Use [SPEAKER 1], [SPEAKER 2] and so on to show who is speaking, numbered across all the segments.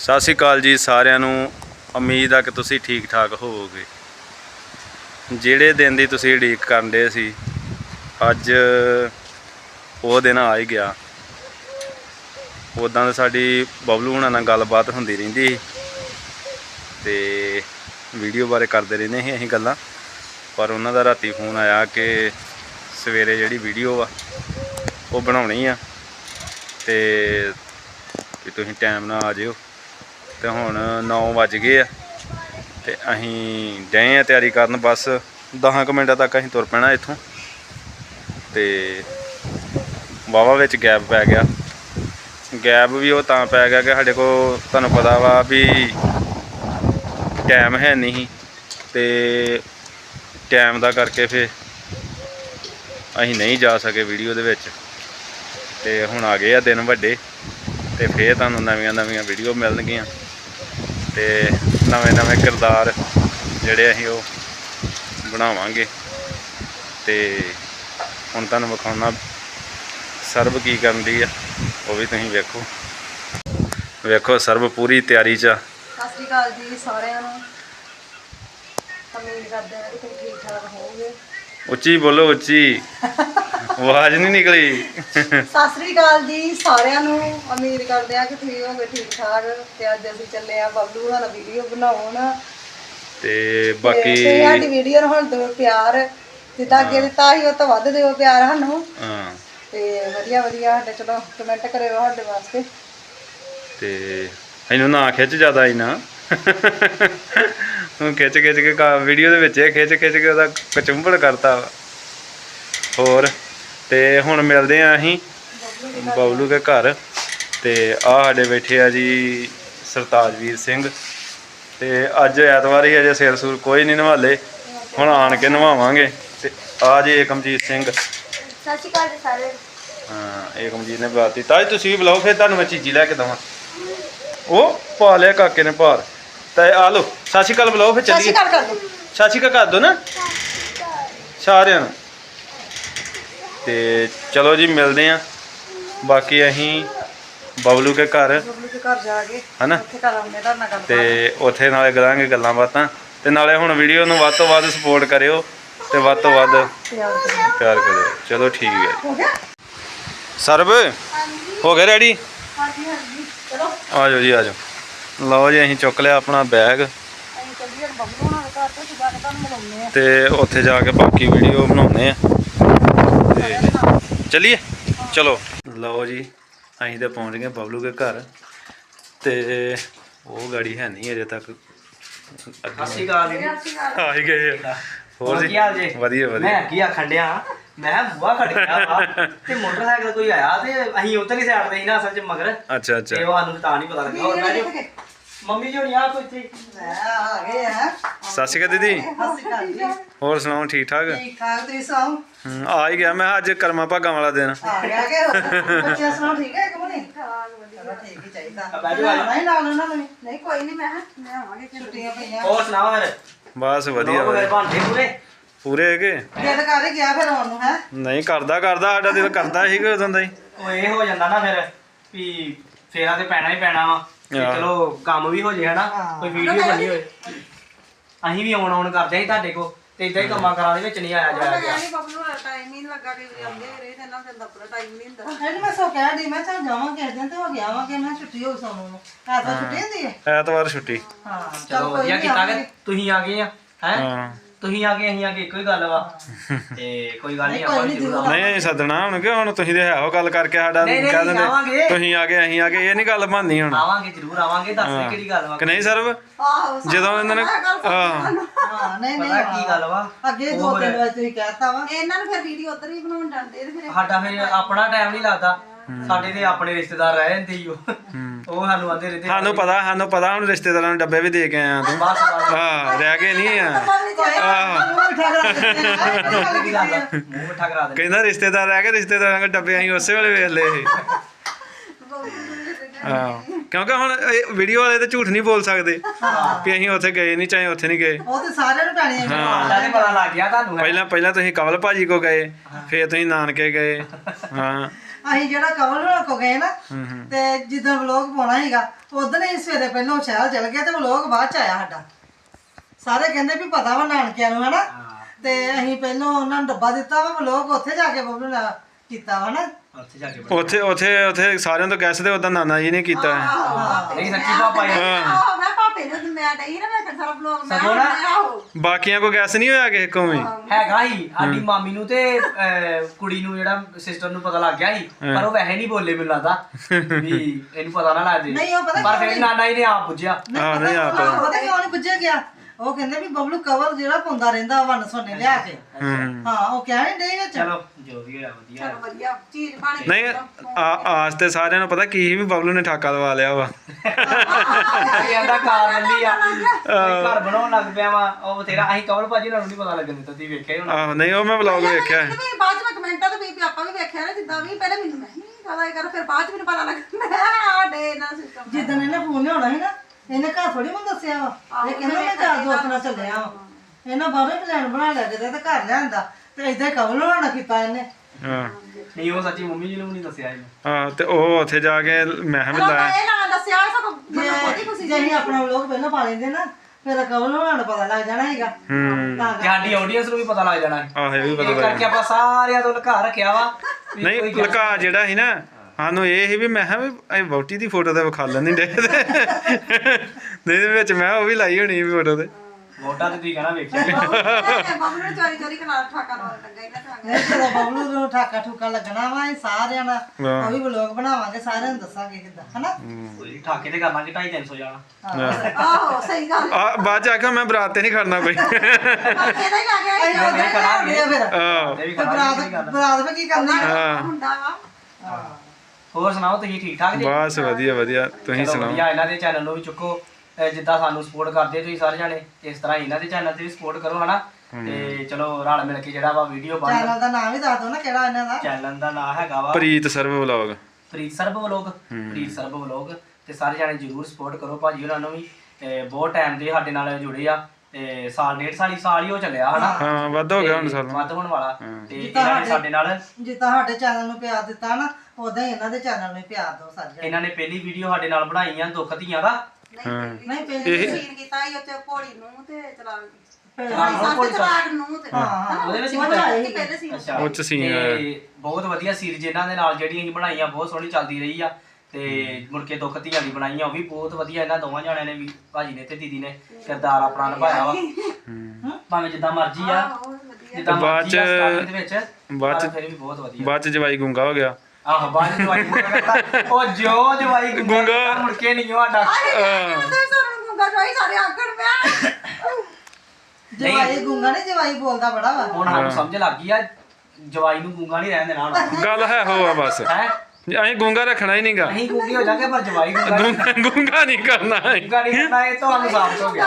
[SPEAKER 1] ਸਤਿ ਸ਼੍ਰੀ ਅਕਾਲ ਜੀ ਸਾਰਿਆਂ ਨੂੰ। ਉਮੀਦ ਆ ਕਿ ਤੁਸੀਂ ਠੀਕ ਠਾਕ ਹੋਵੋਗੇ। ਜਿਹੜੇ ਦਿਨ ਦੀ ਤੁਸੀਂ ਉਡੀਕ ਕਰਨ ਦੇ ਸੀ, ਅੱਜ ਉਹ ਦਿਨ ਆ ਹੀ ਗਿਆ। ਉੱਦਾਂ ਤਾਂ ਸਾਡੀ ਬਬਲੂ ਹੁਣਾਂ ਨਾਲ ਗੱਲਬਾਤ ਹੁੰਦੀ ਰਹਿੰਦੀ ਸੀ ਤੇ ਵੀਡੀਓ ਬਾਰੇ ਕਰਦੇ ਰਹਿੰਦੇ ਸੀ ਅਸੀਂ ਗੱਲਾਂ, ਪਰ ਉਹਨਾਂ ਦਾ ਰਾਤੀ ਫੋਨ ਆਇਆ ਕਿ ਸਵੇਰੇ ਜਿਹੜੀ ਵੀਡੀਓ ਆ ਉਹ ਬਣਾਉਣੀ ਆ ਤੇ ਤੁਸੀਂ ਟਾਈਮ ਨਾਲ ਆ ਜਿਓ। ਤੇ ਹੁਣ 9 ਵੱਜ ਗਏ ਆ ਤੇ ਅਸੀਂ ਡਏ ਆ ਤਿਆਰੀ ਕਰਨ। ਬਸ 10 ਕੁ ਮਿੰਟਾਂ ਤੱਕ ਅਸੀਂ ਤੁਰ ਪੈਣਾ ਇੱਥੋਂ। ਤੇ ਵਾਹਵਾ ਵਿੱਚ ਗੈਪ ਪੈ ਗਿਆ। ਗੈਪ ਵੀ ਉਹ ਤਾਂ ਪੈ ਗਿਆ ਕਿ ਸਾਡੇ ਕੋਲ ਤੁਹਾਨੂੰ ਪਤਾ ਵਾ ਵੀ ਟਾਈਮ ਹੈ ਨਹੀਂ ਤੇ ਟਾਈਮ ਦਾ ਕਰਕੇ ਫਿਰ ਅਸੀਂ ਨਹੀਂ ਜਾ ਸਕੇ ਵੀਡੀਓ ਦੇ ਵਿੱਚ। ਤੇ ਹੁਣ ਆ ਗਏ ਆ ਦਿਨ ਵੱਡੇ ਤੇ ਫਿਰ ਤੁਹਾਨੂੰ ਨਵੀਆਂ ਵੀਡੀਓ ਮਿਲਣਗੀਆਂ ਤੇ ਨਵੇਂ ਕਿਰਦਾਰ ਜਿਹੜੇ ਅਸੀਂ ਉਹ ਬਣਾਵਾਂਗੇ। ਤੇ ਹੁਣ ਤੁਹਾਨੂੰ ਵਿਖਾਉਣਾ ਸਰਬ ਕੀ ਕਰਨ ਦੀ ਆ, ਉਹ ਵੀ ਤੁਸੀਂ ਵੇਖੋ ਸਰਬ ਪੂਰੀ ਤਿਆਰੀ 'ਚ।
[SPEAKER 2] ਸਤਿ ਸ਼੍ਰੀ ਅਕਾਲ ਜੀ ਸਾਰਿਆਂ ਨੂੰ। ਉਮੀਦ ਕਰਦੇ ਹਾਂ ਕਿ ਤੁਸੀਂ ਠੀਕ ਠਾਕ ਹੋਵੋਗੇ।
[SPEAKER 1] ਉੱਚੀ ਬੋਲੋ, ਉੱਚੀ ਆਵਾਜ਼ ਨਹੀਂ ਨਿਕਲੀ।
[SPEAKER 2] ਸਤਿ ਸ਼੍ਰੀ ਅਕਾਲ ਜੀ ਸਾਰਿਆਂ ਨੂੰ। ਉਮੀਦ ਕਰਦੇ ਹਾਂ ਕਿ ਤੁਸੀਂ ਹੋਗੇ ਠੀਕ ਠਾਕ। ਤੇ ਅੱਜ ਅਸੀਂ ਚੱਲੇ ਆ ਬਬਲੂ ਨਾਲ ਵੀਡੀਓ ਬਣਾਉਣ
[SPEAKER 1] ਤੇ ਬਾਕੀ
[SPEAKER 2] ਤੇ ਸਾਡੀ ਵੀਡੀਓ ਨੂੰ ਹੁਣ ਦਿਓ ਪਿਆਰ, ਜਿੱਦਾਂ ਅੱਗੇ ਦਿੱਤਾ ਸੀ ਉਹ ਤੋਂ ਵੱਧ ਦਿਓ ਪਿਆਰ ਸਾਨੂੰ।
[SPEAKER 1] ਹਾਂ
[SPEAKER 2] ਤੇ ਵਧੀਆ ਸਾਡੇ ਚਲੋ ਕਮੈਂਟ ਕਰਿਓ ਸਾਡੇ ਵਾਸਤੇ।
[SPEAKER 1] ਤੇ ਇਹਨੂੰ ਨਾ ਖਿੱਚ ਜ਼ਿਆਦਾ ਹੀ ਨਾ ਹੁਣ ਖਿੱਚ ਕੇ ਵੀਡੀਓ ਦੇ ਵਿੱਚ ਇਹ ਖਿੱਚ ਕੇ ਉਹਦਾ ਕਚੁੰਬੜ ਕਰਤਾ ਵਾ। ਹੋਰ ਤੇ ਹੁਣ ਮਿਲਦੇ ਆ ਅਸੀਂ ਬਬਲੂ ਦੇ ਘਰ। ਤੇ ਆਹ ਸਾਡੇ ਬੈਠੇ ਆ ਜੀ ਸਰਤਾਜਵੀਰ ਸਿੰਘ। ਤੇ ਅੱਜ ਐਤਵਾਰ ਹੀ ਅਜੇ ਸਿਰ ਸੂਰ ਕੋਈ ਨਹੀਂ ਨਵਾਲੇ, ਹੁਣ ਆਣ ਕੇ ਨਵਾਵਾਂਗੇ। ਤੇ ਆ ਜੀ ਏਕਮਜੀਤ ਸਿੰਘ।
[SPEAKER 2] ਸਤਿ ਸ਼੍ਰੀ ਅਕਾਲ ਜੀ ਸਾਰੇ।
[SPEAKER 1] ਹਾਂ ਏਕਮਜੀਤ ਨੇ ਬੁਲਾਤੀ। ਤਾਂ ਤੁਸੀਂ ਵੀ ਬੁਲਾਓ, ਫਿਰ ਤੁਹਾਨੂੰ ਮੈਂ ਚੀਜ਼ੀ ਲੈ ਕੇ ਦੇਵਾਂ। ਉਹ ਪਾ ਲਿਆ ਕਾਕੇ ਨੇ ਭਾਰ। ਤਾਂ ਆ ਲਓ ਸਤਿ ਸ਼੍ਰੀ ਅਕਾਲ ਬੁਲਾਓ, ਫਿਰ ਚੱਲੀਏ।
[SPEAKER 2] ਕਰ ਦੋ
[SPEAKER 1] ਸਤਿ ਸ਼੍ਰੀ ਅਕਾਲ ਕਰ ਦਿਓ ਨਾ ਸਾਰਿਆਂ ਨੂੰ। ਤੇ ਚਲੋ ਜੀ ਮਿਲਦੇ ਆ ਬਾਕੀ ਅਸੀਂ ਬਬਲੂ ਕੇ ਘਰ
[SPEAKER 2] ਜਾ ਕੇ
[SPEAKER 1] ਹਨਾ,
[SPEAKER 2] ਉੱਥੇ ਕਰਾਂਗੇ ਤੁਹਾਡੇ ਨਾਲ ਗੱਲ।
[SPEAKER 1] ਤੇ ਉੱਥੇ ਨਾਲੇ ਕਰਾਂਗੇ ਗੱਲਾਂ ਬਾਤਾਂ। ਤੇ ਨਾਲੇ ਹੁਣ ਵੀਡੀਓ ਨੂੰ ਵੱਧ ਤੋਂ ਵੱਧ ਸਪੋਰਟ ਕਰਿਓ ਤੇ ਵੱਧ ਤੋਂ ਵੱਧ ਪਿਆਰ ਕਰਿਓ। ਚਲੋ ਠੀਕ ਹੈ।
[SPEAKER 2] ਹੋ ਗਿਆ
[SPEAKER 1] ਸਰਬ ਹੋ ਗਏ ਰੈਡੀ?
[SPEAKER 2] ਹਾਂਜੀ ਚਲੋ
[SPEAKER 1] ਆ ਜਾਓ ਜੀ, ਆ ਜਾਓ। ਲਓ ਜੀ ਅਸੀਂ ਚੁੱਕ ਲਿਆ ਆਪਣਾ ਬੈਗ
[SPEAKER 2] ਅਸੀਂ ਚੱਲੀਏ ਬਬਲੂ ਨਾਲ ਘਰ ਤੇ ਸਿੱਧਾ ਤੁਹਾਨੂੰ ਮਿਲਾਉਂਦੇ ਆ।
[SPEAKER 1] ਤੇ ਉੱਥੇ ਜਾ ਕੇ ਬਾਕੀ ਵੀਡੀਓ ਬਣਾਉਂਦੇ ਆ। ਤੇ ਚੱਲੀਏ ਚਲੋ। ਲਓ ਜੀ ਅਸੀਂ ਤਾਂ ਪਹੁੰਚ ਗਏ ਬਬਲੂ ਦੇ ਘਰ। ਤੇ ਉਹ ਗਾੜੀ ਹੈ ਨਹੀਂ ਅਜੇ ਤੱਕ।
[SPEAKER 3] ਸਤਿ ਸ਼੍ਰੀ ਅਕਾਲ ਜੀ।
[SPEAKER 1] ਆ ਹੀ ਗਏ ਆ। ਹੋਰ
[SPEAKER 3] ਕੀ ਹਾਲ ਜੀ?
[SPEAKER 1] ਵਧੀਆ
[SPEAKER 3] ਮੈਂ ਕੀ ਆਖਣ ਡਿਆ, ਮੈਂ ਬੂਹਾ ਖੜ ਗਿਆ ਵਾ ਤੇ ਮੋਟਰਸਾਈਕਲ ਕੋਈ ਆਇਆ ਤੇ ਅਸੀਂ ਉੱਧਰਲੀ ਸਾਈਡ ਤੇ ਸੀ ਨਾ ਅਸਲ ਚ ਮਗਰ।
[SPEAKER 1] ਅੱਛਾ
[SPEAKER 3] ਤੇ ਉਹ ਸਾਨੂੰ ਤਾਂ ਨਹੀਂ ਪਤਾ ਲੱਗਾ। ਹੋਰ ਮੈਂ ਜੋ ਮੰਮੀ ਜੋ ਨਹੀਂ ਆ ਕੋਈ ਇੱਥੇ
[SPEAKER 2] ਆ ਗਏ ਆ।
[SPEAKER 1] ਸਤਿ ਸ਼੍ਰੀ ਅਕਾਲ ਦੀਦੀ।
[SPEAKER 2] ਸਤਿ ਸ਼੍ਰੀ ਅਕਾਲ ਜੀ।
[SPEAKER 1] ਹੋਰ ਸੁਣਾਓ ਠੀਕ ਠਾਕ?
[SPEAKER 2] ਠੀਕ ਠਾਕ ਤੁਸੀਂ ਸੁਣਾਓ?
[SPEAKER 1] ਆ ਹੀ ਗਿਆ ਮੈਂ ਅੱਜ ਕਰਮਾ ਭਾਗਾਂ ਵਾਲਾ ਦਿਨ।
[SPEAKER 2] ਆ ਗਿਆ ਕਿ ਬੱਚੇ ਸੁਣਾਓ ਠੀਕ ਹੈ ਕਿ ਨਹੀਂ? ਚਲੋ ਠੀਕ ਹੀ ਚਾਹੀਦਾ।
[SPEAKER 3] ਬੈਠੋ ਆ ਜਾਓ।
[SPEAKER 2] ਨਹੀਂ ਨਾਲ ਉਹਨਾਂ ਨੂੰ ਨਹੀਂ ਕੋਈ ਨਹੀਂ ਮੈਂ ਆਵਾਂਗੇ ਕਿ ਛੁੱਟੀਆਂ ਪਈਆਂ।
[SPEAKER 3] ਹੋਰ ਸੁਣਾਓ ਫਿਰ?
[SPEAKER 1] ਬਸ ਵਧੀਆ
[SPEAKER 3] ਲੋਕ ਭਾਂਡੇ ਪੂਰੇ
[SPEAKER 1] ਪੂਰੇ ਹੈਗੇ।
[SPEAKER 2] ਦਿਲ ਕਰ ਹੀ ਗਿਆ ਫਿਰ ਆਉਣ ਨੂੰ ਹੈ।
[SPEAKER 1] ਨਹੀਂ ਕਰਦਾ ਸਾਡਾ ਦਿਲ ਕਰਦਾ ਸੀਗਾ ਉਦੋਂ ਦਾ ਹੀ।
[SPEAKER 3] ਉਹ ਇਹ ਹੋ ਜਾਂਦਾ ਨਾ ਫਿਰ ਵੀ ਫੇਰਾ ਤੇ ਪੈਣਾ ਹੀ ਪੈਣਾ ਵਾ। ਤੇ ਚਲੋ ਕੰਮ ਵੀ ਹੋ ਜੇ ਹਨਾ, ਕੋਈ ਵੀਡੀਓ ਬਣੀ ਹੋਏ। ਅਸੀਂ ਵੀ ਆਉਣ ਕਰਦੇ ਆਂ ਤੁਹਾਡੇ ਕੋਲ ਤੇ ਇਦਾਂ ਹੀ ਕੰਮਾਂ ਕਰਾਂ ਦੇ ਵਿੱਚ ਨਹੀਂ ਆਇਆ ਜਾਇਆ ਗਿਆ।
[SPEAKER 2] ਬਬਲੂ ਦਾ ਟਾਈਮ ਹੀ ਲੱਗਾ ਕਿ ਆਉਂਦੇ ਰਹੇ ਤੇ ਇਹਨਾਂ ਦਾ ਪੂਰਾ ਟਾਈਮ ਨਹੀਂ ਹੁੰਦਾ। ਇਹਨੂੰ ਮੈਂ ਸੋ ਕਹਿ ਦੀ ਮੈਂ ਚੱਲ ਜਾਵਾਂਗੇ ਇਸ ਦਿਨ ਤੇ ਹੋ ਗਿਆ ਵਾਂ ਕਿ ਮੈਂ ਛੁੱਟੀ ਹੋ ਸੋਨੂੰ ਨੂੰ। ਐਤਵਾਰ ਛੁੱਟੀ ਹੁੰਦੀ ਹੈ।
[SPEAKER 1] ਐਤਵਾਰ ਛੁੱਟੀ।
[SPEAKER 2] ਹਾਂ
[SPEAKER 3] ਚਲੋ ਵਧੀਆ ਕੀਤਾ ਕਿ ਤੁਸੀਂ ਆ ਗਏ ਆ। ਹੈ
[SPEAKER 1] ਹਾਂ
[SPEAKER 3] ਤੁਸੀਂ ਆ ਗਏ ਅਸੀਂ ਆ ਗਏ, ਇੱਕੋ ਹੀ ਗੱਲ ਵਾ। ਤੇ ਕੋਈ ਗੱਲ ਨਹੀਂ ਆਪਾਂ ਜ਼ਰੂਰ ਆਵਾਂਗੇ।
[SPEAKER 1] ਨਹੀਂ ਅਸੀਂ ਸੱਦਣਾ ਹੁਣ ਕਿ ਹੁਣ ਤੁਸੀਂ ਤੇ ਇਹੋ ਗੱਲ ਕਰਕੇ ਸਾਡਾ
[SPEAKER 3] ਨਹੀਂ,
[SPEAKER 1] ਕਹਿ ਦਿੰਦੇ
[SPEAKER 3] ਆਵਾਂਗੇ।
[SPEAKER 1] ਤੁਸੀਂ ਆ ਗਏ ਅਸੀਂ ਆ ਗਏ, ਇਹ ਨਹੀਂ ਗੱਲ ਬਣਨੀ ਹੁਣ।
[SPEAKER 3] ਆਵਾਂਗੇ ਜ਼ਰੂਰ ਆਵਾਂਗੇ। ਦੱਸ ਦੇ ਕਿਹੜੀ ਗੱਲ ਵਾ
[SPEAKER 1] ਕਿ ਨਹੀਂ ਸਰਬ?
[SPEAKER 2] ਆਹੋ
[SPEAKER 1] ਜਦੋਂ ਇਹਨਾਂ ਨੇ
[SPEAKER 2] ਹਾਂ ਨਹੀਂ
[SPEAKER 3] ਪਤਾ ਕੀ ਗੱਲ ਵਾ,
[SPEAKER 2] ਅੱਗੇ 2-3 ਵਜੇ ਤੁਸੀਂ ਕਹਿਤਾ ਵਾ ਇਹਨਾਂ ਨੂੰ ਫਿਰ ਵੀਡੀਓ ਉਧਰ ਹੀ ਬਣਾਉਣ ਜਾਂਦੇ ਤੇ ਫਿਰ
[SPEAKER 3] ਸਾਡਾ ਫਿਰ ਆਪਣਾ ਟਾਈਮ ਨਹੀਂ ਲੱਗਦਾ। ਸਾਡੇ ਤੇ ਆਪਣੇ ਰਿਸ਼ਤੇਦਾਰ ਰਹਿ ਜਾਂਦੇ ਹੀ ਉਹ ਸਾਨੂੰ ਆਂਦੇ ਰਹਿੰਦੇ।
[SPEAKER 1] ਸਾਨੂੰ ਪਤਾ ਹੁਣ ਰਿਸ਼ਤੇਦਾਰਾਂ ਨੂੰ ਡੱਬੇ ਵੀ ਦੇ ਕੇ ਆਇਆ ਤੂੰ।
[SPEAKER 3] ਬਸ
[SPEAKER 1] ਹਾਂ ਰਹਿ ਗਏ ਨਹੀਂ ਆ।
[SPEAKER 3] ਕੀ ਗੱਲ ਆ, ਮੂੰਹ ਮਿੱਠਾ ਕਰਾ ਦੇ।
[SPEAKER 1] ਕਹਿੰਦਾ ਰਿਸ਼ਤੇਦਾਰ ਰਹਿ ਗਏ, ਰਿਸ਼ਤੇਦਾਰਾਂ ਦੇ ਡੱਬੇ ਅਸੀਂ ਉਸੇ ਵੇਲੇ ਵੇਖ ਲਏ ਸੀ। ਹਾਂ ਕਿਉਂਕਿ ਹੁਣ ਵੀਡੀਓ ਵਾਲੇ ਤਾਂ ਝੂਠ ਨਹੀਂ ਬੋਲ ਸਕਦੇ ਵੀ ਅਸੀਂ ਉੱਥੇ ਗਏ ਨਹੀਂ, ਚਾਹੇ ਉੱਥੇ ਨਹੀਂ ਗਏ।
[SPEAKER 2] ਉਹ ਤੇ ਸਾਰਿਆਂ ਨੂੰ ਪੈਣੀ ਹੈ।
[SPEAKER 3] ਸਾਡਾ ਤੇ ਪਤਾ ਲੱਗ ਗਿਆ ਤੁਹਾਨੂੰ।
[SPEAKER 1] ਪਹਿਲਾਂ ਤੁਸੀਂ ਕਮਲ ਭਾਜੀ ਕੋ ਗਏ, ਫਿਰ ਤੁਸੀਂ ਨਾਨਕੇ ਗਏ। ਹਾਂ
[SPEAKER 2] ਅਸੀਂ ਜਿਹੜਾ ਕਵਲ ਹੋਣਾ ਕੋ ਗਏ ਨਾ
[SPEAKER 1] ਹੂੰ
[SPEAKER 2] ਤੇ ਜਿੱਦਾਂ ਵਲੋਗ ਪਾਉਣਾ ਸੀਗਾ ਉਦੋਂ ਹੀ ਸਵੇਰੇ ਪਹਿਲਾਂ ਉਹ ਸ਼ਹਿਰ ਚਲ ਗਿਆ ਤੇ ਵਲੋਗ ਬਾਅਦ ਚ ਆਇਆ ਸਾਡਾ। ਸਾਰੇ ਕਹਿੰਦੇ ਵੀ ਪਤਾ ਵਾ ਨਾਨਕਿਆਂ ਨੂੰ ਹਨਾ, ਤੇ ਅਸੀਂ ਪਹਿਲਾਂ ਉਹਨਾਂ ਨੂੰ ਡੱਬਾ ਦਿੱਤਾ ਵਾ ਵਲੋਗ ਉੱਥੇ ਜਾ ਕੇ ਬਬਲੂ ਨਾਲ ਕੀਤਾ ਵਾ ਨਾ।
[SPEAKER 3] ਉੱਥੇ ਜਾ ਕੇ
[SPEAKER 1] ਉੱਥੇ ਸਾਰਿਆਂ ਤੋਂ ਗੈਸ ਤੇ ਉਹਦਾ ਨਾਨਾ ਜੀ ਨੇ ਕੀਤਾ ਹੈ।
[SPEAKER 3] ਨਹੀਂ ਸੱਚੀ ਪਾਪਾ ਯਾਰ
[SPEAKER 4] ਆਹੋ ਮੈਂ ਭਾਪੇ ਨੂੰ ਮੈਂ ਡਈ ਨਾ ਮੈਂ ਸਾਰਾ ਬਲੌਗ ਮੈਂ
[SPEAKER 3] ਸਗੋਂ ਨਾ
[SPEAKER 4] ਆਹੋ
[SPEAKER 1] ਬਾਕੀਆਂ ਕੋ ਗੈਸ ਨਹੀਂ ਹੋਇਆ ਕਿਸੇ ਕੋ ਵੀ।
[SPEAKER 3] ਹੈਗਾ ਹੀ ਸਾਡੀ ਮਾਮੀ ਨੂੰ ਤੇ ਕੁੜੀ ਨੂੰ ਜਿਹੜਾ ਸਿਸਟਰ ਨੂੰ ਪਤਾ ਲੱਗ ਗਿਆ ਸੀ, ਪਰ ਉਹ ਵੈਸੇ ਨਹੀਂ ਬੋਲੇ ਮੈਨੂੰ ਲੱਗਦਾ ਵੀ ਇਹਨੂੰ ਪਤਾ ਨਾ ਲੱਗ ਜੇ।
[SPEAKER 2] ਨਹੀਂ ਉਹ ਪਤਾ
[SPEAKER 3] ਪਰ ਫਿਰ ਨਾਨਾ ਜੀ ਨੇ ਆਪ ਪੁੱਛਿਆ।
[SPEAKER 1] ਹਾਂ ਨਹੀਂ ਆਪ
[SPEAKER 2] ਪਤਾ ਕਿਉਂ ਨਹੀਂ ਪੁੱਛਿਆ ਗਿਆ, ਉਹ ਕਹਿੰਦੇ ਵੀ ਬਬਲੂ ਕਵਰ ਜਿਹੜਾ ਪਾਉਂਦਾ ਰਹਿੰਦਾ ਵੰਨ ਸੋਨੇ ਲਿਆ ਕੇ।
[SPEAKER 1] ਹੂੰ
[SPEAKER 2] ਹਾਂ ਉਹ ਕਹਿਣ ਡੇ ਵਿੱਚ
[SPEAKER 3] ਚਲੋ ਜੋ ਵੀ ਹੋਇਆ ਵਧੀਆ
[SPEAKER 4] ਚਲੋ ਵਧੀਆ ਚੀਜ਼ ਬਣ ਗਈ।
[SPEAKER 1] ਨਹੀਂ ਆਸ ਤੇ ਸਾਰਿਆਂ ਨੂੰ ਪਤਾ ਕੀ ਸੀ ਵੀ ਬਬਲੂ ਨੇ ਠਾਕਾ ਲਵਾ ਲਿਆ ਵਾ।
[SPEAKER 3] ਇਹਦਾ ਕਾਰ ਲੱਲੀ ਆ ਘਰ ਬਣਾਉਣ ਲੱਗ ਪਿਆ ਵਾ ਉਹ ਬਥੇਰਾ। ਅਸੀਂ ਕਵਲ ਭਾਜੀ ਨੂੰ ਨਹੀਂ ਪਤਾ ਲੱਗਣ ਦਿੱਤਾ, ਤੁਸੀਂ ਵੇਖਿਆ ਹੀ ਹੋਣਾ।
[SPEAKER 1] ਆਹੋ ਨਹੀਂ ਉਹ ਮੈਂ ਵਲੌਗ ਵੇਖਿਆ
[SPEAKER 4] ਮੈਨੂੰ ਵੀ ਬਾਅਦ ਚ ਮੈਂ ਕਮੈਂਟਾਂ ਤੇ ਵੀ ਆਪਾਂ ਵੀ ਵੇਖਿਆ ਨਾ ਜਿੱਦਾਂ ਵੀ ਪਹਿਲੇ ਮੈਨੂੰ ਨਹੀਂ ਪਤਾ ਇਹ ਕਰ ਫਿਰ ਬਾਅਦ ਚ ਮੈਨੂੰ ਪਤਾ ਲੱਗਾ ਮੈਂ ਆ ਡੇ ਇਹਨਾਂ ਸਿਸਟਮ
[SPEAKER 2] ਜਿੱਦਣ ਇਹਨੇ ਫੋਨ ਲਿਆਉਣਾ ਸੀ ਨਾ ਇਹਨੇ ਘਰ ਥੋੜੀ ਮੈਨੂੰ ਦੱਸਿਆ ਵਾ, ਇਹ ਕਹਿੰਦਾ ਮੈਂ ਚਾਰ ਦੋਸਤ ਨਾਲ ਚੱਲਿਆ ਵਾ। ਇਹਨਾਂ ਬਾਹਰੋਂ ਪਲਾਨ ਬਣਾ ਲਿਆ ਕਿਤੇ ਤੇ ਘਰ ਲਿਆਂਦਾ ਤੇ ਏਦਾਂ ਹੀ ਕਵਲ ਹੋਣਾ ਕੀਤਾ ਇਹਨੇ।
[SPEAKER 1] ਹਾਂ
[SPEAKER 3] ਨਹੀਂ ਉਹ ਸੱਚੀ ਮੰਮੀ ਜੀ ਨੂੰ ਵੀ ਨਹੀਂ ਦੱਸਿਆ ਇਹਨੂੰ।
[SPEAKER 1] ਹਾਂ ਤੇ ਉਹ ਉੱਥੇ ਜਾ ਕੇ ਮੈਂ ਕਿਹਾ ਵੀ ਲੈ
[SPEAKER 4] ਇਹ ਨਾ ਦੱਸਿਆ ਸਭ ਮੈਨੂੰ ਬਹੁਤੀ ਖੁਸ਼ੀ
[SPEAKER 2] ਜੇ ਅਸੀਂ ਆਪਣਾ ਵਲੋਗ ਪਹਿਲਾਂ ਪਾ ਲੈਂਦੇ ਨਾ ਫਿਰ ਕਵਲ ਹੋਣਾ ਨੂੰ ਪਤਾ ਲੱਗ ਜਾਣਾ ਹੈਗਾ।
[SPEAKER 1] ਹੂੰ
[SPEAKER 2] ਤਾਂ
[SPEAKER 3] ਤੇ ਸਾਡੀ ਆਡੀਅנס ਨੂੰ ਵੀ ਪਤਾ ਲੱਗ ਜਾਣਾ ਹੈ।
[SPEAKER 1] ਆਹ ਇਹ ਵੀ ਪਤਾ
[SPEAKER 3] ਇਹ
[SPEAKER 1] ਲੱਗ
[SPEAKER 3] ਕਰਕੇ ਆਪਾਂ ਸਾਰਿਆਂ ਤੋਂ ਲੁਕਾ ਰੱਖਿਆ ਵਾ ਵੀ
[SPEAKER 1] ਨਹੀਂ
[SPEAKER 3] ਕੋਈ
[SPEAKER 1] ਲੁਕਾ ਜਿਹੜਾ ਸੀ ਨਾ ਸਾਨੂੰ ਇਹ ਸੀ ਵੀ ਮੈਂ ਕਿਹਾ ਵੀ ਇਹ ਵਹੁਟੀ ਦੀ ਫੋਟੋ ਤੇ ਵਿਖਾ ਲੈਂਦੀ ਡੇ ਨਹੀਂ ਦੇ ਵਿੱਚ ਮੈਂ ਉਹ ਵੀ ਲਾਈ ਹੋਣੀ ਵੀ ਫੋਟੋ ਤੇ।
[SPEAKER 3] ਵੋਟਾਂ ਤੇ ਤੁਸੀਂ ਕਹਿਣਾ ਵੇਖਿਆ
[SPEAKER 4] ਬਾਬੂ ਨੂੰ ਚੋਰੀ ਚੋਰੀ ਕਨਾਲ ਠਾਕਾ ਨਾਲ ਲੱਗਾ ਇਹਨਾਂ ਠਾਕਾ
[SPEAKER 2] ਨਹੀਂ ਜਦੋਂ ਬਬਲੂ ਨੂੰ ਠਾਕਾ ਠੂਕਾ ਲੱਗਣਾ ਵਾ ਇਹ ਸਾਰਿਆਂ ਦਾ ਉਹ ਵੀ ਵਲੋਗ ਬਣਾਵਾਂਗੇ ਸਾਰਿਆਂ ਨੂੰ ਦੱਸਾਂਗੇ ਕਿੱਦਾਂ ਹਨਾ।
[SPEAKER 3] ਕੋਈ ਠਾਕੇ ਤੇ ਕਰਨਾਂਗੇ 250-300 ਜਾਣਾ।
[SPEAKER 4] ਆਹੋ ਸਹੀ ਗੱਲ
[SPEAKER 1] ਆ ਬਾਅਦ ਚ ਆਖਿਆ ਮੈਂ ਬਰਾਤ ਤੇ ਨਹੀਂ ਖੜਨਾ ਕੋਈ।
[SPEAKER 4] ਇਹਦਾ ਹੀ ਲੱਗ ਗਿਆ
[SPEAKER 2] ਅਸੀਂ ਉਦਾਂ ਹੀ ਕਰਾਂਗੇ ਫਿਰ
[SPEAKER 1] ਆਹ
[SPEAKER 3] ਤੇ ਵੀ
[SPEAKER 2] ਤੇ
[SPEAKER 3] ਕਰਾਂਗੇ
[SPEAKER 2] ਬਰਾਤ ਵਿੱਚ ਕੀ ਕਰਨਾ
[SPEAKER 1] ਹਾਂ
[SPEAKER 4] ਹੁੰਦਾ ਵਾ
[SPEAKER 3] ਹੋਰ ਸੁਣਾਓ ਤੁਸੀਂ ਠੀਕ ਠਾਕ ਜੀ?
[SPEAKER 1] ਬਸ ਵਧੀਆ ਵਧੀਆ ਤੁਸੀਂ
[SPEAKER 3] ਚਲੋ
[SPEAKER 1] ਸੁਣਾਓ।
[SPEAKER 3] ਵਧੀਆ, ਇਹਨਾਂ ਦੇ ਚੈਨਲ ਨੂੰ ਵੀ ਚੁੱਕੋ ਜਿੱਦਾਂ ਸਾਨੂੰ ਸਪੋਰਟ ਕਰਦੇ ਤੁਸੀਂ ਸਾਰੇ ਜਾਣੇ ਇਸ ਤਰ੍ਹਾਂ ਇਹਨਾਂ ਦੇ ਚੈਨਲ ਤੇ ਵੀ ਸਪੋਰਟ ਕਰੋ ਹਨਾ। ਤੇ ਚਲੋ ਰਲ ਮਿਲ ਕੇ ਜਿਹੜਾ ਵਾ ਵੀਡੀਓ ਬਣ।
[SPEAKER 2] ਚੈਨਲ ਦਾ ਨਾਮ ਵੀ ਦੱਸ ਦਿਓ ਨਾ ਕਿਹੜਾ ਇਹਨਾਂ ਦਾ।
[SPEAKER 3] ਚੈਨਲ ਦਾ ਨਾਮ ਹੈਗਾ ਵਾ
[SPEAKER 1] ਪ੍ਰੀਤ ਸਰਵ ਵਲੌਗ।
[SPEAKER 3] ਪ੍ਰੀਤ ਸਰਬ ਵਲੋਗ। ਪ੍ਰੀਤ ਸਰਬ ਵਲੋਗ ਤੇ ਸਾਰੇ ਜਾਣੇ ਜਰੂਰ ਸਪੋਰਟ ਕਰੋ ਭਾਜੀ ਉਹਨਾਂ ਨੂੰ ਵੀ। ਤੇ ਬਹੁਤ ਟਾਈਮ ਦੇ ਸਾਡੇ ਨਾਲ ਜੁੜੇ ਆ ਤੇ ਸਾਲ ਡੇਢ ਸਾਲ ਹੀ ਹੋ ਚੱਲਿਆ ਹਨਾ।
[SPEAKER 1] ਹਾਂ ਵੱਧ ਹੋ ਗਿਆ ਹੁਣ ਸਾਲ।
[SPEAKER 3] ਵੱਧ ਹੋਣ ਵਾਲਾ ਤੇ ਇਹਨਾਂ ਨੇ ਸਾਡੇ ਨਾਲ
[SPEAKER 2] ਜਿੱਦਾਂ ਸਾਡੇ ਚੈਨਲ ਨੂੰ ਪਿਆਰ ਦਿੱਤਾ ਨਾ ਉਦਾਂ ਹੀ ਇਹਨਾਂ ਦੇ ਚੈਨਲ ਨੂੰ ਵੀ ਪਿਆਰ ਦਿਓ ਸਾਰੇ।
[SPEAKER 3] ਇਹਨਾਂ ਨੇ ਪਹਿਲੀ ਵੀਡੀਓ ਸਾਡੇ ਨਾਲ ਬਣਾਈ ਆ ਦੁੱਖ ਧੀਆਂ ਦਾ।
[SPEAKER 2] ਨਹੀਂ ਪਹਿਲੇ
[SPEAKER 4] ਸੀਨ ਕੀਤਾ ਸੀ ਉੱਤੇ ਘੋੜੀ ਨੂੰ ਤੇ ਚਲਾਕ
[SPEAKER 3] ਘੋੜੀ
[SPEAKER 4] ਚਲਾਕ ਨੂੰ ਤੇ
[SPEAKER 3] ਉਹਦੇ ਵਿੱਚ
[SPEAKER 4] ਪਹਿਲੇ ਸੀ
[SPEAKER 3] ਅੱਛਾ
[SPEAKER 1] ਉਹ ਚ scene
[SPEAKER 3] ਤੇ ਬਹੁਤ ਵਧੀਆ ਸੀਰੀਜ਼ ਇਹਨਾਂ ਦੇ ਨਾਲ ਜਿਹੜੀ ਅਸੀਂ ਬਣਾਈ ਆ ਬਹੁਤ ਸੋਹਣੀ ਚੱਲਦੀ ਰਹੀ ਆ। ਤੇ ਮੁੜ ਕੇ ਦੁੱਖ ਧੀਆਂ ਦੀ ਬਣਾਈ ਆ ਉਹ ਵੀ ਬਹੁਤ ਵਧੀਆ। ਇਹਨਾਂ ਦੋਵਾਂ ਜਾਣਿਆਂ ਨੇ ਵੀ ਭਾਜੀ ਨੇ ਤੇ ਦੀਦੀ ਨੇ ਕਿਰਦਾਰ ਆਪਣਾ ਨਿਭਾਇਆ ਵਾ ਭਾਵੇਂ ਜਿੱਦਾਂ ਮਰਜ਼ੀ ਆ ਜਿੱਦਾਂ ਮਰਜ਼ੀ ਆ ਸਟਾਰਟਿੰਗ ਦੇ ਵਿੱਚ
[SPEAKER 1] ਬਾਅਦ
[SPEAKER 3] ਫਿਰ ਵੀ ਬਹੁਤ ਵਧੀਆ।
[SPEAKER 1] ਬਾਅਦ ਚ ਜਵਾਈ ਗੁੰਗਾ ਹੋ ਗਿਆ।
[SPEAKER 3] ਆਹ ਬਾਅਦ ਚ ਜਵਾਈ ਉਹ ਜੋ ਜਵਾਈ ਗੁੰਗਾ ਮੁੜ ਕੇ ਨਹੀਂ ਉਹ ਸਾਡਾ
[SPEAKER 4] ਸਾਨੂੰ ਗੁੰਗਾ ਜਵਾਈ ਸਾਰੇ ਆਕੜ ਪਿਆ
[SPEAKER 2] ਜਵਾਈ ਗੁੰਗਾ ਨਹੀਂ ਜਵਾਈ ਬੋਲਦਾ ਬੜਾ ਵਾ।
[SPEAKER 3] ਹੁਣ ਸਾਨੂੰ ਸਮਝ ਲੱਗ ਗਈ ਆ ਜਵਾਈ ਨੂੰ ਗੁੰਗਾ ਨਹੀਂ ਰਹਿਣ ਦੇਣਾ ਹੁਣ
[SPEAKER 1] ਗੱਲ ਹੈ ਹੋ ਆ ਬਸ
[SPEAKER 3] ਹੈ।
[SPEAKER 1] ਅਸੀਂ ਗੁੰਗਾ ਰੱਖਣਾ ਹੀ ਨਹੀਂਗਾ।
[SPEAKER 3] ਅਸੀਂ ਗੁੰਗੇ ਹੋ ਜਾਗੇ ਪਰ ਜਵਾਈ ਗੁੰਗਾ
[SPEAKER 1] ਗੁੰਗਾ ਨਹੀਂ ਕਰਨਾ ਅਸੀਂ।
[SPEAKER 3] ਗੁੰਗਾ ਨਹੀਂ ਕਰਨਾ ਇਹ ਤੁਹਾਨੂੰ ਸਾਬਤ ਹੋ ਗਿਆ।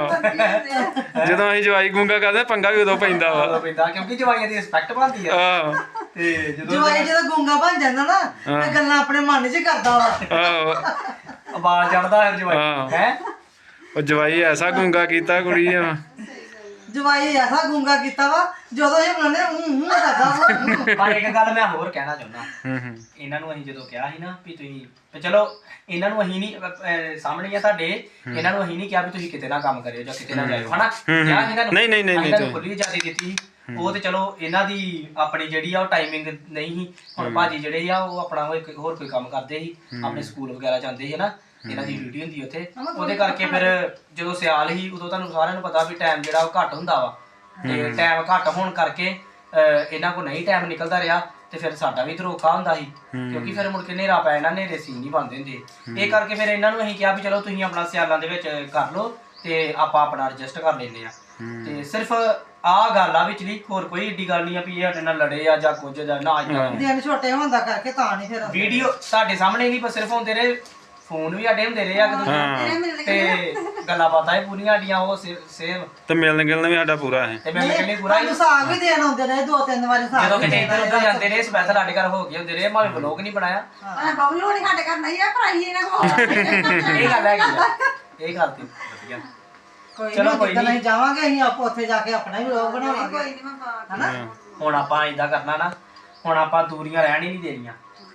[SPEAKER 1] ਹਾਂ ਜਦੋਂ ਅਸੀਂ ਜਵਾਈ ਗੁੰਗਾ ਕਰਦੇ ਪੰਗਾ ਵੀ ਉਦੋਂ ਪੈਂਦਾ ਵਾ।
[SPEAKER 3] ਪੈਂਦਾ ਕਿਉਂਕਿ ਜਵਾਈਆਂ ਦੀ ਰਿਸਪੈਕਟ ਬਣਦੀ ਆ।
[SPEAKER 1] ਆਹ
[SPEAKER 3] ਤੇ ਜਦੋਂ
[SPEAKER 2] ਜਵਾਈ ਜਦੋਂ ਗੁੰਗਾ ਬਣ ਜਾਂਦਾ ਨਾ ਤੇ ਗੱਲਾਂ ਆਪਣੇ ਮਨ 'ਚ ਹੀ ਕਰਦਾ ਵਾ।
[SPEAKER 1] ਆਹ
[SPEAKER 3] ਆਵਾਜ਼ ਚੜਦਾ ਹੈ ਜਵਾਈ ਹੈ।
[SPEAKER 1] ਉਹ ਜਵਾਈ ਐਸਾ ਗੁੰਗਾ ਕੀਤਾ ਕੁੜੀ ਆ।
[SPEAKER 2] ਜਵਾਈ ਐਸਾ ਗੁੰਗਾ ਕੀਤਾ ਵਾ ਜਦੋਂ ਇਹ ਬਣਾਉਂਦੇ ਕਰਦਾ ਵਾ।
[SPEAKER 3] ਪਰ ਇੱਕ ਗੱਲ ਮੈਂ ਹੋਰ ਕਹਿਣਾ ਚਾਹੁੰਦਾ
[SPEAKER 1] ਹੂੰ
[SPEAKER 3] ਇਹਨਾਂ ਨੂੰ ਅਸੀਂ ਜਦੋਂ ਕਿਹਾ ਸੀ ਨਾ ਵੀ ਤੁਸੀਂ ਤੇ ਚਲੋ ਇਹਨਾਂ ਨੂੰ ਅਸੀਂ ਨਹੀਂ ਸਾਹਮਣੇ ਆ ਤੁਹਾਡੇ ਇਹਨਾਂ ਨੂੰ ਅਸੀਂ ਨਹੀਂ ਕਿਹਾ ਵੀ ਤੁਸੀਂ ਕਿਤੇ ਨਾ ਕੰਮ ਕਰਿਓ ਜਾਂ ਕਿਤੇ ਨਾ ਜਾਇਓ ਹਨਾ। ਕਿਹਾ ਇਹਨਾਂ ਨੂੰ
[SPEAKER 1] ਨਹੀਂ,
[SPEAKER 3] ਇਹਨਾਂ ਨੂੰ ਖੁੱਲੀ ਆਜ਼ਾਦੀ ਦਿੱਤੀ ਸੀ। ਉਹ ਤੇ ਚਲੋ ਇਹਨਾਂ ਦੀ ਆਪਣੀ ਜਿਹੜੀ ਆ ਉਹ ਟਾਈਮਿੰਗ ਨਹੀਂ ਸੀ। ਹੁਣ ਭਾਜੀ ਜਿਹੜੇ ਆ ਉਹ ਆਪਣਾ ਹੋਰ ਕੋਈ ਕੰਮ ਕਰਦੇ ਸੀ ਆਪਣੇ ਸਕੂਲ ਵਗੈਰਾ ਜਾਂਦੇ ਸੀ ਹਨਾ। ਇਹਨਾਂ ਦੀ ਡਿਊਟੀ ਹੁੰਦੀ ਉੱਥੇ ਉਹਦੇ ਕਰਕੇ ਫਿਰ ਜਦੋਂ ਸਿਆਲ ਸੀ ਉਦੋਂ ਤੁਹਾਨੂੰ ਸਾਰਿਆਂ ਨੂੰ ਪਤਾ ਵੀ ਟਾਈਮ ਜਿਹੜਾ ਉਹ ਘੱਟ ਹੁੰਦਾ ਵਾ। ਤੇ ਟਾਈਮ ਘੱਟ ਹੋਣ ਕਰਕੇ ਇਹਨਾਂ ਕੋਲ ਨਹੀਂ ਟਾਈਮ ਨਿਕਲਦਾ ਰਿਹਾ ਤੇ ਫਿਰ ਸਾਡਾ ਵੀ ਧਰੋਖਾ ਹੁੰਦਾ ਸੀ ਕਿਉਂਕਿ ਫਿਰ ਮੁੜ ਕੇ ਹਨੇਰਾ ਪੈ ਜਾਣਾ, ਹਨੇਰੇ ਸੀਨ ਨਹੀਂ ਬਣਦੇ ਹੁੰਦੇ। ਇਹ ਕਰਕੇ ਫਿਰ ਇਹਨਾਂ ਨੂੰ ਅਸੀਂ ਕਿਹਾ ਵੀ ਚਲੋ ਤੁਸੀਂ ਆਪਣਾ ਸਿਆਲਾਂ ਦੇ ਵਿੱਚ ਕਰ ਲਓ ਤੇ ਆਪਾਂ ਆਪਣਾ ਐਡਜਸਟ ਕਰ ਲੈਂਦੇ ਆ। ਤੇ ਸਿਰਫ ਆਹ ਗੱਲ ਆ ਵਿਚਲੀ ਹੋਰ ਕੋਈ ਏਡੀ ਗੱਲ ਨਹੀਂ ਆ ਵੀ ਇਹ ਸਾਡੇ ਨਾਲ ਲੜੇ ਆ ਜਾਂ ਕੁਝ ਜਾਂ ਨਾ।
[SPEAKER 2] ਦਿਨ ਛੋਟੇ ਹੁੰਦਾ ਕਰਕੇ ਤਾਂ ਨਹੀਂ ਫਿਰ
[SPEAKER 3] ਵੀਡੀਓ ਤੁਹਾਡੇ ਸਾਹਮਣੇ ਨਹੀਂ ਪਰ ਸਿਰਫ ਹੁੰਦੇ ਰਹੇ ਫੋਨ ਵੀ ਸਾਡੇ ਹੁੰਦੇ ਰਹੇ ਆ ਤੇ ਗੱਲਾਂ ਬਾਤਾਂ ਹੀ ਪੂਰੀਆਂ ਸਾਡੀਆਂ ਉਹ ਸੇਵ
[SPEAKER 1] ਤੇ ਮਿਲਣ ਗਿਲਣ ਵੀ ਸਾਡਾ ਪੂਰਾ ਹੈ।
[SPEAKER 3] ਤੇ ਮੈਂ ਕਹਿੰਦੀ ਪੂਰਾ ਹੀ
[SPEAKER 2] ਸਾਗ ਵੀ ਦੇਣ ਆਉਂਦੇ ਰਹੇ 2-3 ਵਾਰੀ ਸਾਗ।
[SPEAKER 3] ਜਦੋਂ ਕਿਤੇ ਇੱਧਰ ਉੱਧਰ ਜਾਂਦੇ ਰਹੇ ਸਪੈਸ਼ਲ ਸਾਡੇ ਘਰ ਹੋ ਗਏ ਹੁੰਦੇ ਰਹੇ ਭਾਵੇਂ ਵਲੋਗ ਨਹੀਂ ਬਣਾਇਆ।
[SPEAKER 4] ਬਬਲੂ ਨਹੀਂ ਸਾਡੇ ਘਰ ਨਹੀਂ ਆ ਭਰਾਈ ਇਹਨਾਂ ਕੋਲ
[SPEAKER 3] ਇਹ ਗੱਲ ਹੈਗੀ ਆ। ਇਹ ਗੱਲ ਤੇ ਵਧੀਆ।
[SPEAKER 2] ਚਲੋ ਕੋਈ ਨਹੀਂ ਜਾਵਾਂਗੇ ਅਸੀਂ ਆਪ ਉੱਥੇ ਜਾ ਕੇ ਆਪਣਾ ਹੀ ਵਲੋਗ ਬਣਾਵਾਂਗੇ
[SPEAKER 4] ਕੋਈ ਨਹੀਂ ਮੈਂ
[SPEAKER 2] ਹਨਾ।
[SPEAKER 3] ਹੁਣ ਆਪਾਂ ਇਦਾਂ ਕਰਨਾ ਨਾ ਹੁਣ ਆਪਾਂ ਦੂਰੀਆਂ ਰਹਿਣ ਹੀ ਨਹੀਂ ਦੇਣੀਆਂ।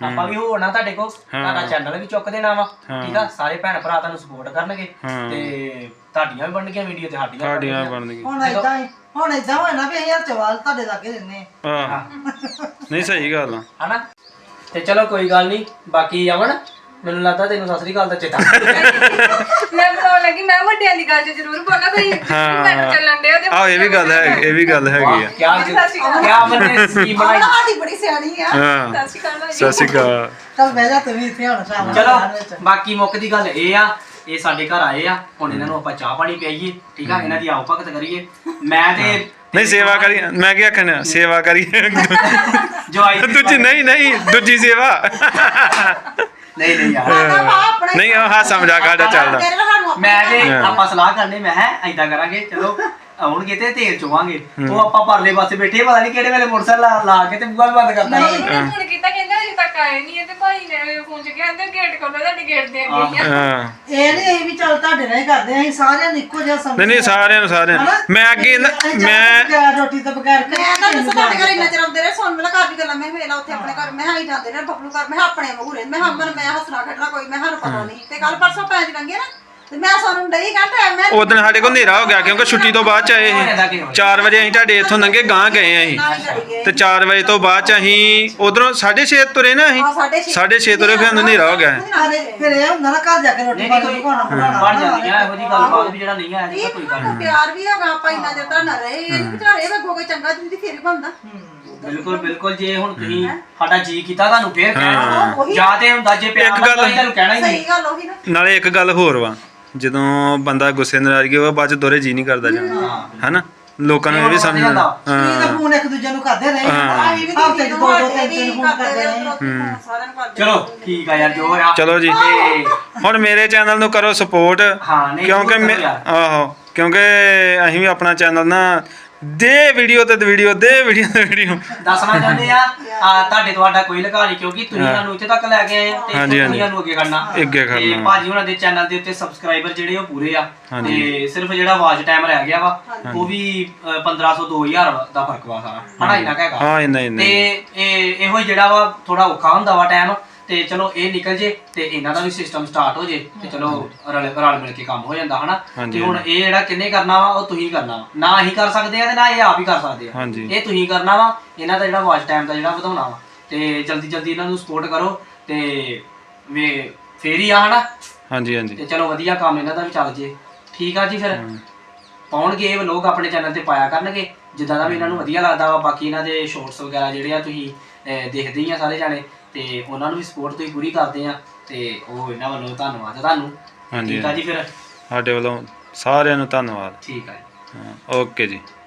[SPEAKER 3] ਆਪਾਂ ਵੀ ਹੋਣਾ ਤੁਹਾਡੇ ਕੋਲ, ਤੁਹਾਡਾ ਚੈਨਲ ਵੀ ਚੁੱਕ ਦੇਣਾ ਵਾ, ਠੀਕ ਆ। ਸਾਰੇ ਭੈਣ ਭਰਾ ਤੁਹਾਨੂੰ ਸਪੋਰਟ ਕਰਨਗੇ ਤੇ ਤੁਹਾਡੀਆਂ ਵੀ ਬਣਨਗੀਆਂ ਵੀਡੀਓ ਤੇ ਸਾਡੀਆਂ
[SPEAKER 1] ਬਣਨਗੀਆਂ।
[SPEAKER 2] ਹੁਣ ਏਦਾਂ ਹੋਇਆ ਨਾ ਵੀ ਅਸੀਂ ਹਰਚਵਾਲ ਤੁਹਾਡੇ ਲਾਗੇ ਰਹਿੰਦੇ
[SPEAKER 1] ਹਾਂ ਨਹੀਂ ਸਹੀ ਗੱਲ ਆ
[SPEAKER 3] ਹਨਾ। ਤੇ ਚਲੋ ਕੋਈ ਗੱਲ ਨਹੀਂ। ਬਾਕੀ ਅਮਨ ਮੈਨੂੰ ਲੱਗਦਾ ਤੈਨੂੰ ਸਤਿ ਸ੍ਰੀ ਅਕਾਲ ਦਾ ਚੇਤਾ
[SPEAKER 5] ਮੈਂ ਬਤਾਉਣ ਲੱਗੀ, ਮੈਂ ਵੱਡਿਆਂ ਦੀ ਗੱਲ 'ਚ ਜ਼ਰੂਰ ਬੋਲਾਂ, ਕੋਈ ਮੈਨੂੰ ਚੱਲਣ ਡਿਆ ਤੇ
[SPEAKER 1] ਆਹ ਇਹ ਵੀ ਗੱਲ ਹੈ, ਇਹ ਵੀ ਗੱਲ ਹੈਗੀ ਆ।
[SPEAKER 3] ਕਿਆ ਅਮਨ ਨੇ ਸਕੀਮ ਬਣਾਈ।
[SPEAKER 4] ਸਾਡੀ ਬੜੀ ਸਿਆਣੀ ਆ।
[SPEAKER 1] ਹਾਂ
[SPEAKER 5] ਸਤਿ ਸ਼੍ਰੀ ਅਕਾਲ ਭਾਈ।
[SPEAKER 1] ਸਤਿ ਸ਼੍ਰੀ ਅਕਾਲ।
[SPEAKER 2] ਚੱਲ ਬਹਿ ਜਾ ਤੂੰ ਵੀ ਇੱਥੇ ਹੁਣ ਸ਼ਾਮ
[SPEAKER 3] ਚਲੋ ਬਾਕੀ ਮੁੱਖ ਦੀ ਗੱਲ ਇਹ ਆ, ਇਹ ਸਾਡੇ ਘਰ ਆਏ ਆ, ਹੁਣ ਇਹਨਾਂ ਨੂੰ ਆਪਾਂ ਚਾਹ ਪਾਣੀ ਪਿਆਈਏ, ਠੀਕ ਆ। ਇਹਨਾਂ ਦੀ ਆਓ ਭਗਤ ਕਰੀਏ। ਮੈਂ ਤੇ
[SPEAKER 1] ਨਹੀਂ ਸੇਵਾ ਕਰੀ, ਮੈਂ ਕੀ ਆਖਣਾ, ਸੇਵਾ ਕਰੀਏ
[SPEAKER 3] ਜਵਾਈ
[SPEAKER 1] ਦੂਜੀ ਨਹੀਂ ਦੂਜੀ ਸੇਵਾ
[SPEAKER 3] ਨਹੀਂ ਯਾਰ
[SPEAKER 1] ਨਹੀਂ ਉਹ ਹਾਸਾ ਮਜ਼ਾਕ ਸਾਡਾ ਚੱਲਦਾ।
[SPEAKER 3] ਮੈਂ ਤੇ ਆਪਾਂ ਸਲਾਹ ਕਰਨੇ, ਮੈਂ ਏਦਾਂ ਕਰਾਂਗੇ, ਚਲੋ ਆਉਣਗੇ ਤੇ ਤੇਲ ਚੋਵਾਂਗੇ, ਉਹ ਆਪਾਂ ਪਰਲੇ ਪਾਸੇ ਬੈਠੇ, ਪਤਾ ਨਹੀਂ ਕਿਹੜੇ ਵੇਲੇ ਮੋਟਰਸਾਈਕਲ ਲਾ ਕੇ ਤੇ ਬੂਹਾ ਵੀ ਬੰਦ ਕਰ ਦੇਣਾ।
[SPEAKER 5] ਫੋਨ ਕੀਤਾ, ਕਹਿੰਦਾ ਅਜੇ ਤੱਕ ਆਏ ਨਹੀਂ ਹੈ, ਤੇ ਭਾਈ ਨੇ ਫੋਨ 'ਚ ਕਹਿੰਦੇ ਗੇਟ ਖੋਲੋ, ਤੁਹਾਡੀ ਗੇਟ ਦੇ ਅੱਗੇ ਹੀ ਆ।
[SPEAKER 1] ਹਾਂ
[SPEAKER 2] ਇਹ ਨਹੀਂ ਅਸੀਂ ਵੀ ਚੱਲ ਤੁਹਾਡੇ ਨਾਲ ਹੀ ਕਰਦੇ ਅਸੀਂ ਸਾਰਿਆਂ ਨੂੰ ਇੱਕੋ ਜਿਹਾ ਸਮਝ
[SPEAKER 1] ਨਹੀਂ ਸਾਰਿਆਂ ਨੂੰ ਮੈਂ ਅੱਗੇ ਮੈਂ
[SPEAKER 2] ਰੋਟੀ ਤੋਂ ਬਗੈਰ
[SPEAKER 4] ਮੈਂ ਤਾਂ ਦੱਸਾਂ ਤੁਹਾਡੇ ਘਰ ਇੰਨਾ ਚਿਰ ਆਉਂਦੇ ਰਹੇ, ਸੁਣ ਮੇਲਾ ਘਰ ਦੀ ਗੱਲਾਂ, ਮੈਂ ਵੇਲਾ ਉੱਥੇ ਆਪਣੇ ਘਰ ਮੈਂ ਆਈ ਜਾਂਦੇ ਨੇ ਬੱਬਲੂ ਘਰ, ਮੈਂ ਆਪਣੇ ਵਾਂਗੂ ਰਹਿੰਦੇ, ਮੈਂ ਹਮਨ ਮੈਂ ਹੱਸਣਾ ਖੇਡਣਾ ਕੋਈ, ਮੈਂ ਸਾਨੂੰ ਪਤਾ ਨਹੀਂ। ਤੇ ਕੱਲ ਪਰਸੋਂ ਪੈਂਜ ਲੰਗੇ ਨਾ ਤੇ ਮੈਂ ਸਾਨੂੰ ਡਈ ਘੰਟਾ ਮੈਂ
[SPEAKER 1] ਉਦੋਂ ਸਾਡੇ ਕੋਲ ਹਨੇਰਾ ਹੋ ਗਿਆ ਕਿਉਂਕਿ ਛੁੱਟੀ ਤੋਂ ਬਾਅਦ ਚ ਆਏ ਸੀ 4 ਵਜੇ ਅਸੀਂ ਤੁਹਾਡੇ ਇੱਥੋਂ ਲੰਘੇ ਗਾਂ ਗਏ ਅਸੀਂ ਤੇ 4 ਵਜੇ ਤੋਂ ਬਾਅਦ ਚ ਅਸੀਂ ਉਧਰੋਂ 6:30 ਤੁਰੇ ਨਾ ਅਸੀਂ 6:30 ਤੁਰੇ ਫਿਰ ਹਨੇਰਾ ਹੋ ਗਿਆ।
[SPEAKER 2] ਫਿਰ ਇਹ ਹੁੰਦਾ ਨਾ ਘਰ ਜਾ ਕੇ ਰੋਟੀ ਪਾਣੀ ਪਕਾਉਣਾ
[SPEAKER 3] ਬਣ ਜਾਂਦੀ ਆ ਇਹੋ ਜੀ ਗੱਲਬਾਤ ਵੀ ਜਿਹੜਾ ਨਹੀਂ ਆਇਆ ਕੋਈ ਗੱਲ ਨਹੀਂ।
[SPEAKER 4] ਪਿਆਰ ਵੀ ਹੈਗਾ, ਆਪਾਂ ਇੰਨਾ ਚਿਰ ਤਾਂ ਨਾ ਰਹੇ, ਇਹ ਵਿਚਾਰੇ ਵੇਖੋ ਕੋਈ ਚੰਗਾ ਜਿੰਦੀ ਫੇਰ ਬਣਦਾ।
[SPEAKER 3] ਬਿਲਕੁਲ ਜੇ ਹੁਣ ਤੁਸੀਂ ਸਾਡਾ ਜੀ ਕੀਤਾ ਤੁਹਾਨੂੰ ਫੇਰ ਕਹਿਣਾ, ਜਾਂ ਤੇ ਹੁੰਦਾ ਜੇ ਪਿਆਰ ਨਾਲ ਤੁਹਾਨੂੰ ਕਹਿਣਾ ਹੀ ਨਹੀਂ।
[SPEAKER 4] ਸਹੀ ਗੱਲ ਉਹੀ ਨਾ।
[SPEAKER 1] ਨਾਲੇ ਇੱਕ ਗੱਲ ਹੋਰ ਵਾ, ਜਦੋਂ ਬੰਦਾ ਗੁੱਸੇ ਨਾਰਾਜ਼ਗੀ ਹੋਵੇ ਬਾਅਦ ਚ ਦੋਰੇ ਜੀ ਨਹੀਂ ਕਰਦਾ ਜਾਣਾ, ਹਨਾ। ਲੋਕਾਂ ਨੂੰ ਇਹ ਵੀ ਸਮਝ
[SPEAKER 2] ਇਹ ਤਾਂ ਫੋਨ ਇੱਕ ਦੂਜੇ ਨੂੰ ਕਰਦੇ ਰਹੇ
[SPEAKER 4] ਆਹੀ ਵੀ
[SPEAKER 2] ਹਫ਼ਤੇ 'ਚ
[SPEAKER 4] ਦੀਦੀ
[SPEAKER 2] ਦੋ
[SPEAKER 4] ਨੂੰ
[SPEAKER 2] ਤਿੰਨ ਫੋਨ ਕਰਦੇ ਰਹੇ।
[SPEAKER 4] ਸਾਰਿਆਂ ਨੂੰ ਕਰਦੇ।
[SPEAKER 3] ਚਲੋ ਠੀਕ ਆ ਯਾਰ, ਜੋ ਹੋਇਆ
[SPEAKER 1] ਚਲੋ ਜੀ। ਹੁਣ ਮੇਰੇ ਚੈਨਲ ਨੂੰ ਕਰੋ ਸਪੋਰਟ,
[SPEAKER 3] ਹਾਂ ਨਹੀਂ
[SPEAKER 1] ਕਿਉਂਕਿ ਆਹੋ ਕਿਉਂਕਿ ਅਸੀਂ ਵੀ ਆਪਣਾ ਚੈਨਲ ਨਾ ਦੇ ਵੀਡੀਓ ਤੇ ਵੀਡੀਓ
[SPEAKER 3] ਦੱਸਣਾ ਚਾਹੁੰਦੇ ਆ ਤੁਹਾਡੇ ਤੁਹਾਡਾ ਕੋਈ ਲਗਾ ਨਹੀਂ, ਕਿਉਂਕਿ ਤੁਸੀਂ ਸਾਨੂੰ ਇੱਥੇ ਤੱਕ ਲੈ ਕੇ ਆਏ ਤੇ ਤੁਸੀਂ ਸਾਨੂੰ ਅੱਗੇ ਕਰਨਾ। ਤੇ ਭਾਜੀ ਉਹਨਾਂ ਦੇ ਚੈਨਲ ਦੇ ਉੱਤੇ ਸਬਸਕ੍ਰਾਈਬਰ ਜਿਹੜੇ ਉਹ ਪੂਰੇ ਆ, ਤੇ ਸਿਰਫ ਜਿਹੜਾ ਵਾਚ ਟਾਈਮ ਰਹਿ ਗਿਆ ਵਾ ਉਹ ਵੀ 1500 2000 ਦਾ ਫਰਕ ਵਾ ਸਾਰਾ, ਹਨਾ ਇੰਨਾ ਹੈਗਾ।
[SPEAKER 1] ਹਾਂ ਇੰਨਾ
[SPEAKER 3] ਤੇ ਇਹੋ ਜਿਹੜਾ ਵਾ ਥੋੜਾ ਔਖਾ ਹੁੰਦਾ ਵਾ ਟਾਈਮ, ਤੇ ਚਲੋ ਇਹ ਨਿਕਲ ਜੇ ਤੇ ਇਹਨਾਂ ਦਾ ਵੀ ਸਿਸਟਮ ਸਟਾਰਟ ਹੋ ਜੇ ਤੇ ਚਲੋ ਰਲ ਮਿਲ ਕੇ ਕੰਮ ਹੋ ਜਾਂਦਾ, ਹਨਾ। ਤੇ ਹੁਣ ਇਹ ਜਿਹੜਾ ਕਿੰਨੇ ਕਰਨਾ ਵਾ ਉਹ ਤੁਸੀਂ ਕਰਨਾ ਵਾ, ਨਾ ਅਸੀਂ ਕਰ ਸਕਦੇ ਆ ਤੇ ਨਾ ਇਹ ਆਪ ਹੀ ਕਰ ਸਕਦੇ ਆ, ਇਹ ਤੁਸੀਂ ਕਰਨਾ ਵਾ। ਇਹਨਾਂ ਦਾ ਜਿਹੜਾ ਵਾਚ ਟਾਈਮ ਦਾ ਜਿਹੜਾ ਵਧਾਉਣਾ ਵਾ, ਤੇ ਜਲਦੀ ਇਹਨਾਂ ਨੂੰ ਸਪੋਰਟ ਕਰੋ ਤੇ ਫੇਰ ਹੀ ਆ, ਹਨਾ। ਹਾਂਜੀ ਤੇ ਚਲੋ ਵਧੀਆ ਕੰਮ ਇਹਨਾਂ ਦਾ ਵੀ ਚੱਲ ਜੇ, ਠੀਕ ਆ ਜੀ। ਫਿਰ ਪਾਉਣਗੇ ਇਹ ਲੋਕ ਆਪਣੇ ਚੈਨਲ ਤੇ ਪਾਇਆ ਕਰਨਗੇ ਜਿੱਦਾਂ ਦਾ ਵੀ ਇਹਨਾਂ ਨੂੰ ਵਧੀਆ ਲੱਗਦਾ ਵਾ। ਬਾਕੀ ਇਹਨਾਂ ਦੇ ਸ਼ੋਰਟਸ ਵਗੈਰਾ ਜਿਹੜੇ ਆ ਤੁਸੀਂ ਦੇਖਦੇ ਹੀ ਆ ਸਾਰੇ ਜਾਣੇ, ਤੇ ਉਹਨਾਂ ਨੂੰ ਵੀ ਸਪੋਰਟ ਤੁਸੀਂ ਪੂਰੀ ਕਰਦੇ ਆ, ਤੇ ਉਹ ਇਹਨਾਂ ਵੱਲੋਂ ਧੰਨਵਾਦ ਤੁਹਾਨੂੰ। ਠੀਕ ਆ ਜੀ, ਫਿਰ
[SPEAKER 1] ਸਾਡੇ ਵੱਲੋਂ ਸਾਰਿਆਂ ਨੂੰ ਧੰਨਵਾਦ।
[SPEAKER 3] ਠੀਕ ਆ ਜੀ,
[SPEAKER 1] ਓਕੇ ਜੀ।